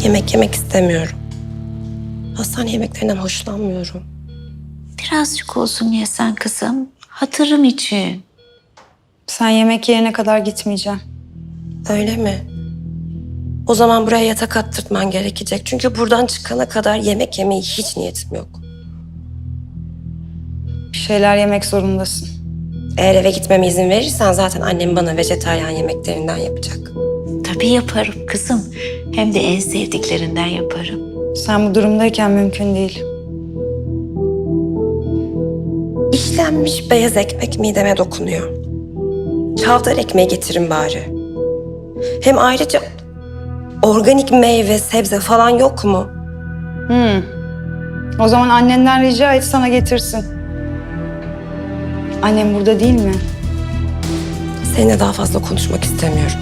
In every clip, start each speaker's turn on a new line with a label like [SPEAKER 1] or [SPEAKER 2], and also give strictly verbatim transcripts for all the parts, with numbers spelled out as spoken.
[SPEAKER 1] Yemek yemek istemiyorum. Hastane yemeklerinden hoşlanmıyorum.
[SPEAKER 2] Birazcık olsun yesen kızım. Hatırım için.
[SPEAKER 3] Sen yemek yerine kadar gitmeyeceğim.
[SPEAKER 1] Öyle mi? O zaman buraya yatak attırtman gerekecek. Çünkü buradan çıkana kadar yemek yemeye hiç niyetim yok.
[SPEAKER 3] Bir şeyler yemek zorundasın.
[SPEAKER 1] Eğer eve gitmeme izin verirsen zaten annem bana vejetaryen yemeklerinden yapacak.
[SPEAKER 2] Tabii yaparım kızım. Hem de en sevdiklerinden yaparım.
[SPEAKER 3] Sen bu durumdayken mümkün değil.
[SPEAKER 1] İşlenmiş beyaz ekmek mideme dokunuyor. Çavdar ekmeği getirin bari. Hem ayrıca organik meyve, sebze falan yok mu?
[SPEAKER 3] Hmm. O zaman annenden rica et sana getirsin. Annem burada değil mi?
[SPEAKER 1] Seninle daha fazla konuşmak istemiyorum.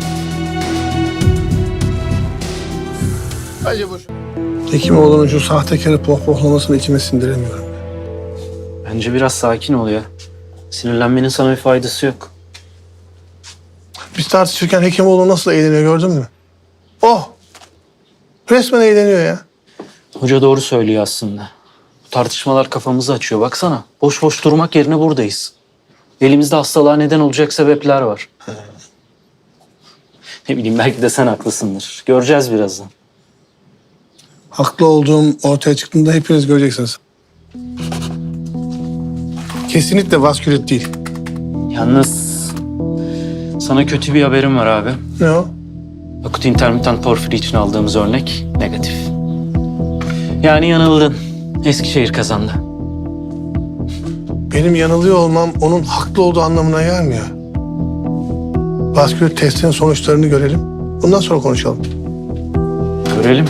[SPEAKER 4] Hadi vur. Hekimoğlu'nun şu sahtekarı pohpohlamasını içime sindiremiyorum.
[SPEAKER 5] Bence biraz sakin ol ya. Sinirlenmenin sana bir faydası yok.
[SPEAKER 4] Biz tartışırken Hekimoğlu nasıl eğleniyor gördün mü? Oh! Resmen eğleniyor ya.
[SPEAKER 5] Hoca doğru söylüyor aslında. Bu tartışmalar kafamızı açıyor. Baksana, boş boş durmak yerine buradayız. Elimizde hastalığa neden olacak sebepler var. Ne bileyim, belki de sen haklısındır. Göreceğiz birazdan.
[SPEAKER 4] Haklı olduğum ortaya çıktığında hepiniz göreceksiniz. Kesinlikle vaskülit değil.
[SPEAKER 5] Yalnız sana kötü bir haberim var abi.
[SPEAKER 4] Ne o?
[SPEAKER 5] Akut intermittent porfiri için aldığımız örnek negatif. Yani yanıldın. Eskişehir kazandı.
[SPEAKER 4] Benim yanılıyor olmam onun haklı olduğu anlamına gelmiyor. Vaskülit testinin sonuçlarını görelim. Bundan sonra konuşalım.
[SPEAKER 5] Görelim.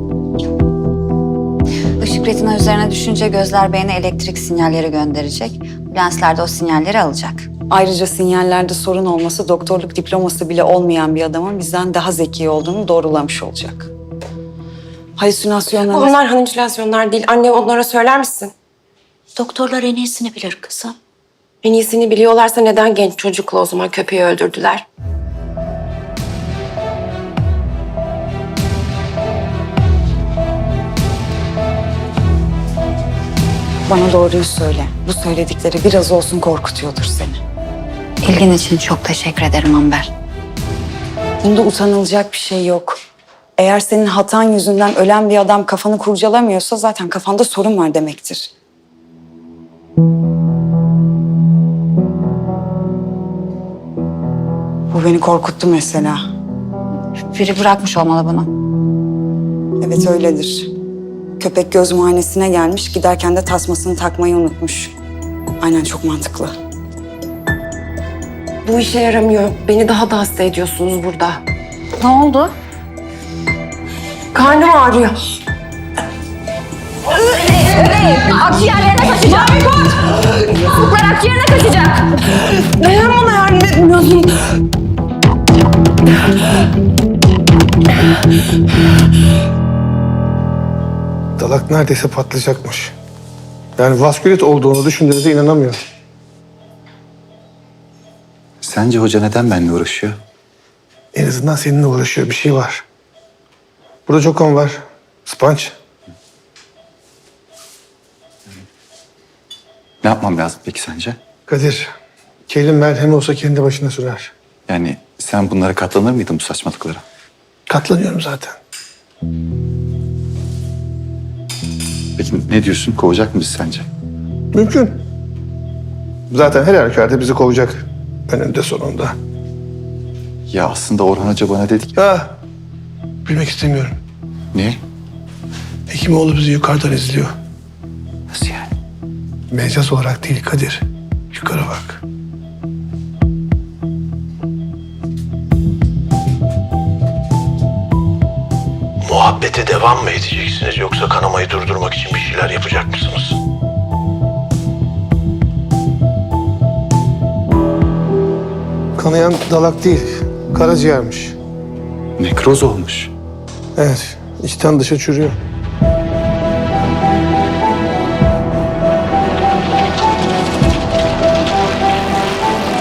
[SPEAKER 6] Işık retina üzerine düşünce gözler beyne elektrik sinyalleri gönderecek. Lensler de o sinyalleri alacak.
[SPEAKER 3] Ayrıca sinyallerde sorun olması doktorluk diploması bile olmayan bir adamın bizden daha zeki olduğunu doğrulamış olacak. Halüsinasyonlar...
[SPEAKER 1] Onlar halüsinasyonlar değil. Anne onlara söyler misin?
[SPEAKER 2] Doktorlar en iyisini bilir kızım.
[SPEAKER 1] En iyisini biliyorlarsa neden genç çocukla o zaman köpeği öldürdüler?
[SPEAKER 3] Bana doğruyu söyle. Bu söyledikleri biraz olsun korkutuyordur seni.
[SPEAKER 6] İlgin için çok teşekkür ederim Amber.
[SPEAKER 3] Bunda utanılacak bir şey yok. Eğer senin hatan yüzünden ölen bir adam kafanı kurcalamıyorsa zaten kafanda sorun var demektir. Bu beni korkuttu mesela.
[SPEAKER 6] Biri bırakmış olmalı bunu.
[SPEAKER 3] Evet öyledir. Köpek göz muayenesine gelmiş, giderken de tasmasını takmayı unutmuş. Aynen, çok mantıklı.
[SPEAKER 1] Bu işe yaramıyor. Beni daha da hasta ediyorsunuz burada.
[SPEAKER 6] Ne oldu?
[SPEAKER 1] Karnım ağrıyor.
[SPEAKER 6] Akciğerlerine kaçacak. Fuklar akciğerine kaçacak.
[SPEAKER 1] Neden bana yardım etmiyorsun?
[SPEAKER 4] Dalak neredeyse patlayacakmış. Yani vaskülit olduğunu düşündüğünüze inanamıyorum.
[SPEAKER 7] Sence hoca neden benimle uğraşıyor?
[SPEAKER 4] En azından seninle uğraşıyor. Bir şey var. Burada çok kan var. Sponge.
[SPEAKER 7] Ne yapmam lazım peki sence?
[SPEAKER 4] Kadir, kelin merhemi olsa kendi başına sürer.
[SPEAKER 7] Yani sen bunlara katlanır mıydın bu saçmalıklara?
[SPEAKER 4] Katlanıyorum zaten.
[SPEAKER 7] Peki ne diyorsun? Kovacak mı bizi sence?
[SPEAKER 4] Mümkün. Zaten her halükarda bizi kovacak. Önünde sonunda.
[SPEAKER 7] Ya aslında Orhan Hoca bana dedi ki...
[SPEAKER 4] Ha, bilmek istemiyorum.
[SPEAKER 7] Niye?
[SPEAKER 4] Hekimoğlu bizi yukarıdan izliyor.
[SPEAKER 7] Nasıl yani?
[SPEAKER 4] Mecaz olarak değil Kadir. Yukarı bak. Muhabbete devam mı edeceksiniz yoksa kanamayı durdurmak için bir şeyler yapacak mısınız? Kanayan dalak değil, karaciğermiş.
[SPEAKER 7] Nekroz olmuş.
[SPEAKER 4] Evet, içten dışa çürüyor.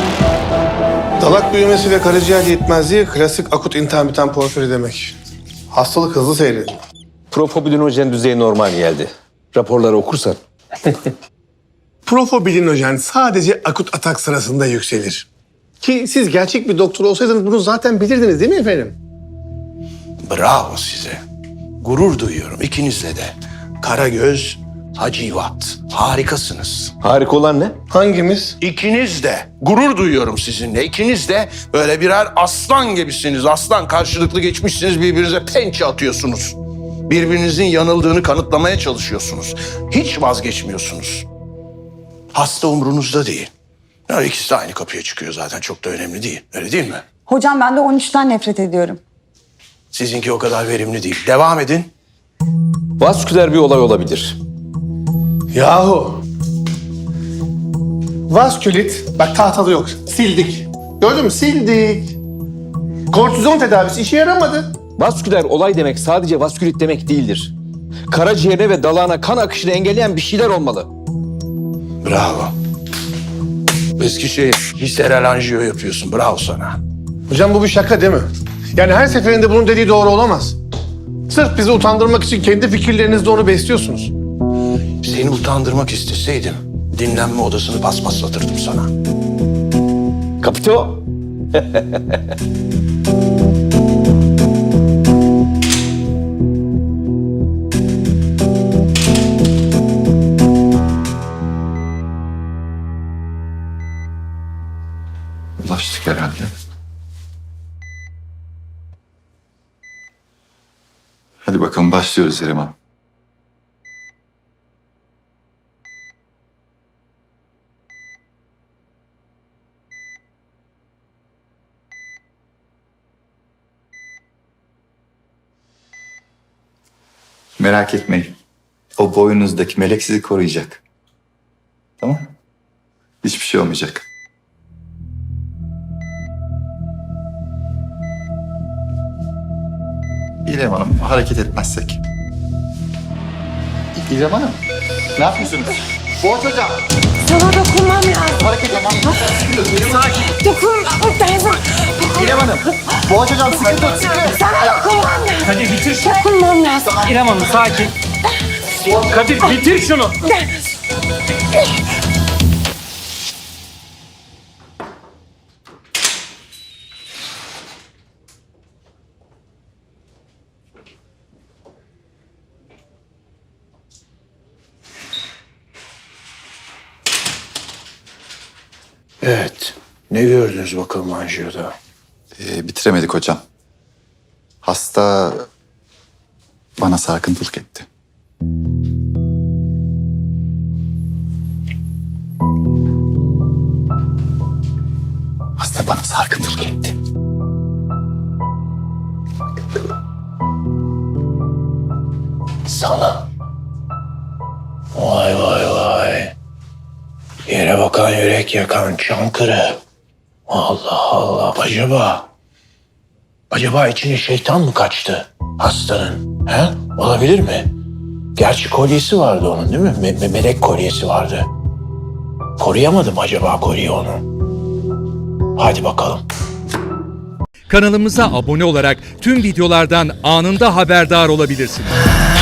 [SPEAKER 4] Dalak büyümesi ve karaciğer yetmezliği klasik akut intermittent porfiri demek. Hastalık hızlı seyrediyor.
[SPEAKER 8] Profobidinojen düzeyi normal geldi. Raporları okursan.
[SPEAKER 4] Profobilinojen sadece akut atak sırasında yükselir. Ki siz gerçek bir doktor olsaydınız bunu zaten bilirdiniz değil mi efendim?
[SPEAKER 9] Bravo size. Gurur duyuyorum ikinizle de. Karagöz, Hacivat. Harikasınız.
[SPEAKER 8] Harika olan ne?
[SPEAKER 4] Hangimiz?
[SPEAKER 9] İkiniz de. Gurur duyuyorum sizinle. İkiniz de böyle birer aslan gibisiniz. Aslan karşılıklı geçmişsiniz, birbirinize pençe atıyorsunuz. Birbirinizin yanıldığını kanıtlamaya çalışıyorsunuz. Hiç vazgeçmiyorsunuz. Hasta umrunuzda değil. Ya ikisi de aynı kapıya çıkıyor zaten. Çok da önemli değil. Öyle değil mi?
[SPEAKER 3] Hocam ben de on üçten nefret ediyorum.
[SPEAKER 9] Sizinki o kadar verimli değil. Devam edin.
[SPEAKER 8] Vasküler bir olay olabilir.
[SPEAKER 4] Yahu. Vaskülit, bak tahtada yok. Sildik. Gördün mü? Sildik. Kortizon tedavisi işe yaramadı.
[SPEAKER 8] Vasküler olay demek sadece vaskülit demek değildir. Karaciğerine ve dalağına kan akışını engelleyen bir şeyler olmalı.
[SPEAKER 9] Bravo. Eskişehir, visceral anjiyo yapıyorsun. Bravo sana.
[SPEAKER 4] Hocam bu bir şaka değil mi? Yani her seferinde bunun dediği doğru olamaz. Sırf bizi utandırmak için kendi fikirlerinizle onu besliyorsunuz.
[SPEAKER 9] Seni utandırmak isteseydim dinlenme odasını paspaslatırdım sana.
[SPEAKER 8] Kapito.
[SPEAKER 7] Ulaştık herhalde. Hadi bakalım başlıyoruz İrem Hanım. Merak etmeyin. O boynunuzdaki melek sizi koruyacak. Tamam? Hiçbir şey olmayacak. İrem Hanım hareket etmezsek. İrem Hanım ne yapıyorsunuz? Boğaç hocam.
[SPEAKER 1] Sana dokunmam lazım.
[SPEAKER 7] Hareket yapmam.
[SPEAKER 1] Dokunmam lazım.
[SPEAKER 7] İrem Hanım. Boğaç hocam sıkı tut sıkı.
[SPEAKER 1] Sana dokunmam lazım.
[SPEAKER 10] Hadi bitir.
[SPEAKER 1] Dokunmam lazım.
[SPEAKER 10] İrem Hanım sakin. Kadir bitir şunu.
[SPEAKER 9] Evet. Ne gördünüz bakalım anjiyoda?
[SPEAKER 7] Ee, bitiremedik hocam. Hasta bana sarkıntılık etti. Hasta bana sarkıntılık etti.
[SPEAKER 9] Sana. Vay vay vay. Yere bakan yürek yakan Çankırı. Allah Allah. Acaba... Acaba içine şeytan mı kaçtı hastanın? He? Olabilir mi? Gerçi kolyesi vardı onun değil mi? Me- me- melek kolyesi vardı. Koruyamadı mı acaba kolyeyi onu? Hadi bakalım.
[SPEAKER 11] Kanalımıza abone olarak tüm videolardan anında haberdar olabilirsiniz.